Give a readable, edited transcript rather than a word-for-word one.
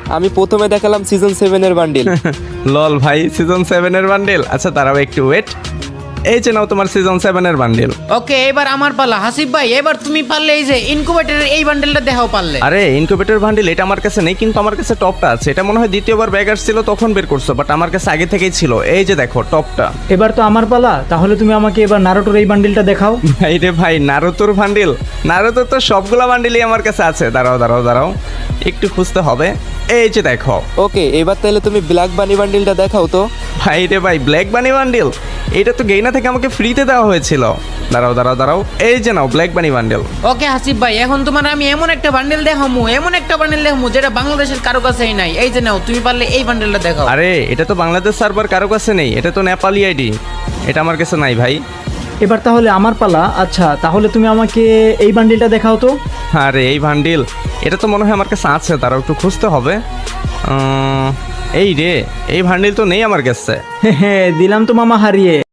আমি প্রথমে দেখালাম সিজন 7 এর বান্ডিল। লল ভাই, সিজন 7 এর বান্ডেল? আচ্ছা দাঁড়াও একটু ওয়েট। এই যে নাও তোমার সিজন 7 এর বান্ডেল। ওকে, এবার আমার পালা। হাসিব ভাই, এবার তুমি পারলে এই যে ইনকুবেটরের এই বান্ডেলটা দেখাও পারলে। আরে ইনকিউবেটর বান্ডেল এটা আমার কাছে নেই, কিন্তু আমার কাছে টপটা আছে। এটা মনে হয় দ্বিতীয়বার ব্যাগ আসছিল তখন বের করছো, বাট আমার কাছে আগে থেকেই ছিল। এই যে দেখো টপটা। এবার তো আমার পালা, তাহলে তুমি আমাকে এবার নারুটোর এই বান্ডিলটা দেখাও। ভাই রে ভাই, নারুতোর বান্ডিল? নারুতোর তো সবগুলা বান্ডিলই আমার কাছে আছে। দাঁড়াও একটু খুঁজতে হবে। এই যে দেখো। ওকে, এবার তাহলে তুমি ব্ল্যাক বানি বান্ডিলটা দেখাও তো। ভাই রে ভাই, ব্ল্যাক বানি বান্ডিল? এটা তো গেইনা থেকে আমাকে ফ্রিতে দেওয়া হয়েছিল। দাঁড়াও এই যে নাও black bunny bundle. Okay Hasib ভাই, এখন তোমার আমি এমন একটা বান্ডেল দেখামু, যেটা বাংলাদেশের কারো কাছেই নাই। এই যে নাও, তুমি পারলে এই বান্ডেলটা দেখাও। আরে এটা তো বাংলাদেশ সার্ভার কারো কাছে নেই, এটা তো নেপালি আইডি। এটা আমার কাছে নাই ভাই। এবার তাহলে আমার পালা। আচ্ছা, তাহলে তুমি আমাকে এই বান্ডিলটা দেখাও তো। আরে এই বান্ডিল? এটা তো মনে হয় আমার কাছে আছে, তারাও একটু খুঁজতে হবে। এই রে, এই বান্ডিল তো নেই আমার কাছে। হ্যাঁ, দিলাম তো মামা হারিয়ে।